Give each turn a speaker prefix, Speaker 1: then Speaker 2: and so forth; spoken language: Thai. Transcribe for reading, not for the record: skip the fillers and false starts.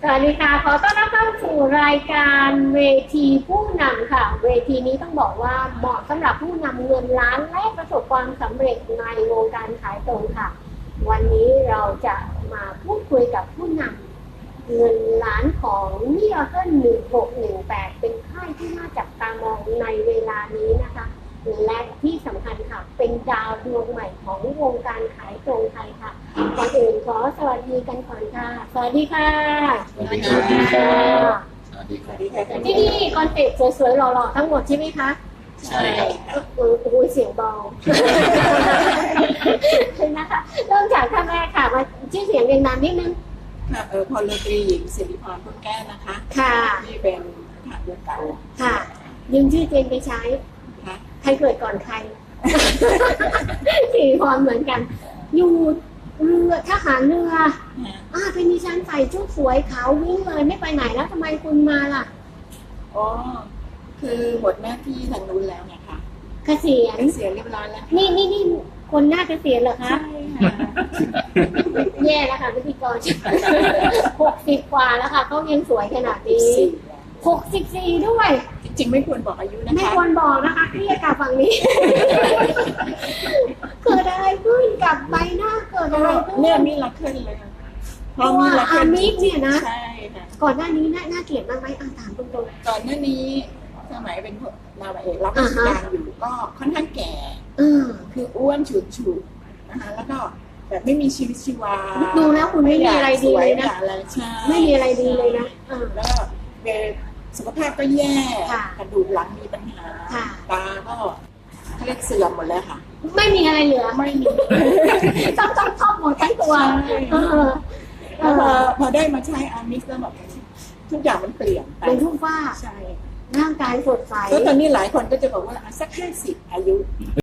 Speaker 1: สวัสดีค่ะขอต้อนรับเข้าสู่รายการเวทีผู้นำค่ะเวทีนี้ต้องบอกว่าเหมาะสำหรับผู้นำเงินล้านและประสบความสำเร็จในวงการขายตรงค่ะวันนี้เราจะมาพูดคุยกับผู้นำเงินล้านของMiracle 1618เป็นค่ายที่น่าจับตามองในเวลานี้นะคะและที่สำคัญค่ะเป็นดาวดวงใหม่ของวงการขายตรงไทยค่ะก่อนอื่นขอสวัสดีกันก่อนค่ะสวัสดีค่ะ
Speaker 2: สวัสดีครับสวัสดีครับ
Speaker 1: ที่นี่คอนเซ็ปต์สวยๆหล่อๆทั้งหมดใช่ไหมคะ
Speaker 2: ใช่ครับ
Speaker 1: โอ้ยเสียงเบานะคะเริ่มจากท่านแรกค่ะมาชื่อเสียงเรียงนามนิดนึง
Speaker 3: ค่ะพลตรีหญิงสิริพรพุ่มแก้วนะคะ
Speaker 1: ค่ะ
Speaker 3: ที่เป็นทหารเรือเก่า
Speaker 1: ค่ะยืมชื่อเจนไปใช้
Speaker 3: ค่ะ
Speaker 1: ใครเกิดก่อนใครสิริพรเหมือนกันอยู่เรือทหารเรือเป็นดิฉันใส่ชุดสวยขาววิ่งเลยไม่ไปไหนแล้วทำไมคุณมาล่ะ
Speaker 3: อ๋อคือหมดหน้าที่ทางนู้นแล้วไงคะ
Speaker 1: เกษียณ
Speaker 3: เรียบร้อยแล้ว
Speaker 1: นี่คนหน้าเกษียณเหรอคะ
Speaker 3: ใช่ค่ะ
Speaker 1: แย่แล้วค่ะพิธีกร60 กว่าแล้วค่ะเขายังสวยขนาดนี้64ด้วย
Speaker 3: จริงๆไม่ควรบอกอายุนะคะ
Speaker 1: ไม่ควรบอกนะคะเครียดกับฝั่งนี้เกิดอะไรขึ้นกับใบหน้าเกิดอะไรขึ้น
Speaker 3: เนี่ยมีรักขึ้นเลย
Speaker 1: เพราะว่าอามิกเนี่ยนะ
Speaker 3: ใช่ค่ะ
Speaker 1: ก่อนหน้านี้น่าเกลียดมากไหมถามตรง
Speaker 3: ๆก่อนหน้านี้สมัยเป็นนาวาเอกรับราชการอยู่ก็ค่อนข้างแก่คืออ้วนฉุดนะคะแล้วก็แบบไม่มีชีวิตชีวา
Speaker 1: ดูแล้วคุณไม่มีอะไรดีเลยนะไม่มีอะไรดีเลยนะ
Speaker 3: แล้วก็สุขภาพก็แย่กระดูกหลังมีปัญหาตาก็เรียกเสื่อมหมดแล้วค่ะ
Speaker 1: ไม่มีอะไรเหลือ
Speaker 3: ไม่มี
Speaker 1: ต้องครอบหมดทั้งตัว
Speaker 3: พอได้มาใช้อามิกแล้วแบบทุกอย่างมันเปลี่ยน
Speaker 1: เป็นทุกว่า
Speaker 3: ใช่
Speaker 1: ร่างกายสดใส
Speaker 3: แล้วตอนนี้หลายคนก็จะบอกว่าสัก50อายุ